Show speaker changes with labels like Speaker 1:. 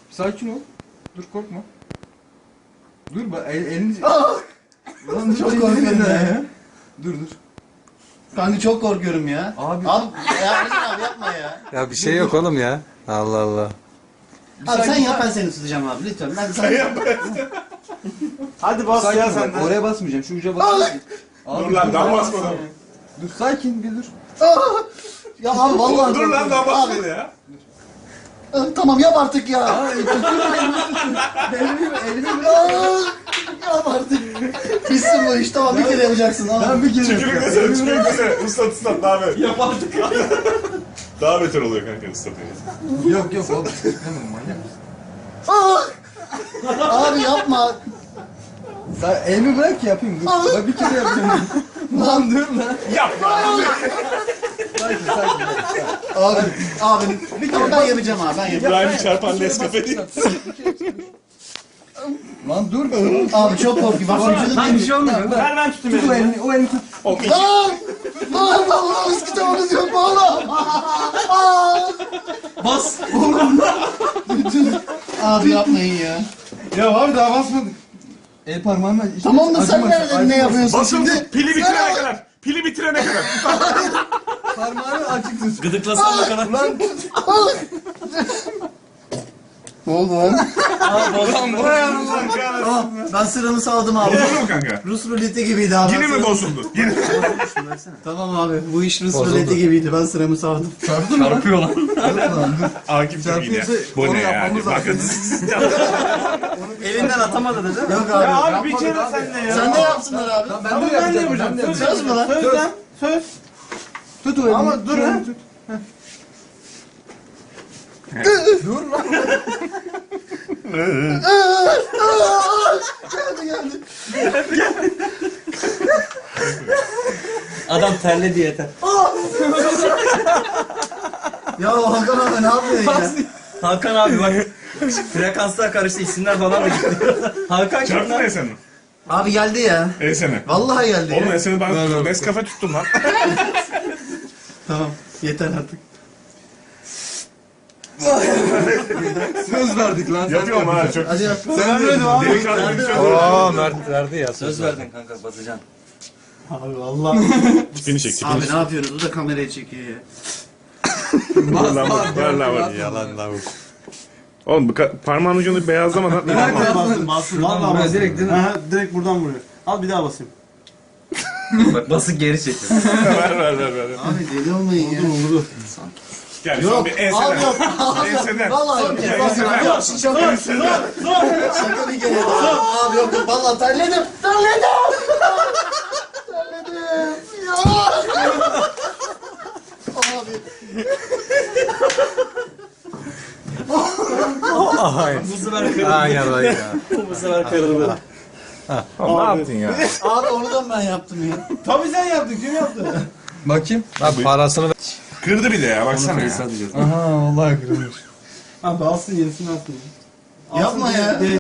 Speaker 1: Sakin ol. Dur korkma. Dur bak elini...
Speaker 2: Lan çok korkuyorum ya.
Speaker 1: Dur.
Speaker 2: Kanka çok korkuyorum ya.
Speaker 1: Abi.
Speaker 2: Abi ya Ercan abi yapma ya.
Speaker 3: Ya bir şey yok oğlum ya. Allah Allah.
Speaker 2: Abi sen yap ben seni tutacağım abi lütfen. Sen yap.
Speaker 4: Hadi bas
Speaker 1: Sakin
Speaker 4: ya
Speaker 1: ol.
Speaker 4: sen de.
Speaker 1: Oraya basmayacağım. Şu uca basmayacağım.
Speaker 4: Dur lan daha basmadım.
Speaker 1: Dur sakin bir dur.
Speaker 2: Ya abi vallahi
Speaker 4: Dur lan daha
Speaker 2: korkuyorum.
Speaker 4: basmadı ya.
Speaker 2: Abi, tamam yap artık ya.
Speaker 1: Elimi
Speaker 2: Yap artık. Bitsin bu iş tamam bir kere yapacaksın abi.
Speaker 1: Ben bir kere
Speaker 4: Tükürük desene, tükürük desene. Islat daha beter.
Speaker 1: Yap artık ya.
Speaker 4: Daha beter oluyor kanka ıslatınca.
Speaker 1: Yok oğlum. Tamam manyak mısın?
Speaker 2: Abi yapma.
Speaker 1: Sen elimi bırak ki yapayım dur. Bak bir kere yapacağım. Lan dur lan.
Speaker 4: Yapma.
Speaker 1: Sakin.
Speaker 2: Abi tamam ben yapacağım abi ben yapacağım.
Speaker 4: İbrahim'i çarpan Nescafe değil.
Speaker 1: Lan dur.
Speaker 2: Abi çok korkuyorum. Bak vücudum
Speaker 1: Lan bir şey olmuyor.
Speaker 4: Ver ben tutayım
Speaker 1: Tut o
Speaker 4: elini.
Speaker 1: elini. O elini tut.
Speaker 2: Lan! Lan vallahi ıskıtamamız yok mu oğlum?
Speaker 1: Bas.
Speaker 2: Abi yapmayın ya.
Speaker 1: Ya abi daha basmadık. El parmağınla işte
Speaker 2: Tamam da sen
Speaker 1: acımasın,
Speaker 2: nerede ne
Speaker 1: acımasın.
Speaker 2: yapıyorsun
Speaker 4: Basın
Speaker 2: şimdi?
Speaker 4: pili bitirene kadar. Pili bitirene kadar.
Speaker 1: Parmağını açık tut.
Speaker 5: Gıdıklasana kadar.
Speaker 1: Lan
Speaker 2: Ne oldu lan?
Speaker 1: lan buraya mı lan?
Speaker 2: Ben sıramı saldım abi.
Speaker 4: Bozuldu mu kanka?
Speaker 2: Rus ruleti gibiydi abi.
Speaker 4: Yine mi bozuldu? Yine.
Speaker 2: Tamam abi bu iş Rus ruleti gibiydi ben sıramı saldım.
Speaker 5: Çarpıyor lan.
Speaker 4: Akif çok iyi ya.
Speaker 1: Çarpıyorsa
Speaker 4: Bu
Speaker 1: onu
Speaker 4: ne ya?
Speaker 1: yapmamız
Speaker 4: Bakın.
Speaker 5: Elinden atamadı değil mi?
Speaker 2: Yok abi.
Speaker 4: Ya abi bir kere sen de ya.
Speaker 2: Sen de yapsınlar abi.
Speaker 1: Lan ben de yapacağım.
Speaker 2: Söz mü lan?
Speaker 4: Söz lan. Söz.
Speaker 1: Tut o elini.
Speaker 4: Ama dur
Speaker 1: Şu
Speaker 4: ha.
Speaker 1: elini tut. Dur lan.
Speaker 2: Geldi.
Speaker 5: Adam terledi yeter.
Speaker 2: Ya Hakan abi ne yapıyorsun ya?
Speaker 5: Hakan abi bak. Frekanslar karıştı, isimler falan da gitti. Hakan kim
Speaker 4: Çarptın
Speaker 5: lan?
Speaker 4: Esen'i.
Speaker 2: Abi geldi ya.
Speaker 4: Esen'i.
Speaker 2: Vallahi geldi
Speaker 4: Oğlum
Speaker 2: ya.
Speaker 4: Esen'i ben Nescafe tuttum lan.
Speaker 2: Tamam yeter artık.
Speaker 1: Söz verdik lan.
Speaker 4: Yapıyorum ha çok.
Speaker 2: Hadi yap.
Speaker 1: Sen de abi.
Speaker 4: Delikanlı bir şey
Speaker 3: Oo Mert verdi ya.
Speaker 5: Söz verdin kanka, basacaksın.
Speaker 2: Abi vallahi.
Speaker 4: Tipini çek tipini
Speaker 2: Abi
Speaker 4: çek.
Speaker 2: ne yapıyorsunuz? Bu da kamerayı çekiyor ya.
Speaker 4: Ver lan bak. Ver lan bak.
Speaker 3: Yalan lan bu.
Speaker 4: Oğlum bu parmağın ucunu beyazlamadan.
Speaker 1: Bastın.
Speaker 6: Vallahi
Speaker 1: Buraya direkt değil mi?
Speaker 6: Aha, direkt buradan vuruyor. Al bir daha basayım.
Speaker 5: Bak basıp geri çekiyor.
Speaker 4: ver.
Speaker 2: Abi deli olmayın ya.
Speaker 4: Gel şu an bir enseden.
Speaker 2: Abi yok.
Speaker 4: Enseden.
Speaker 2: Vallahi yok.
Speaker 4: Enseden.
Speaker 2: Yok şaka. Şaka bir kere. Abi yok yok. Vallahi terledim. Terledim. Ya. Abi.
Speaker 5: Bu sefer kırıldı.
Speaker 3: Aynen öyle ya.
Speaker 5: Bu sefer kırıldı.
Speaker 4: Ne yaptın ya?
Speaker 2: Abi onu da ben yaptım ya.
Speaker 6: Tabii sen yaptın. Kim yaptı?
Speaker 1: Bakayım.
Speaker 3: Lan parasını ver.
Speaker 4: Kırdı bir de ya baksana ya.
Speaker 1: Aha vallahi kırılmış.
Speaker 6: Abi alsın yenisini alsın.
Speaker 2: Yapma ya.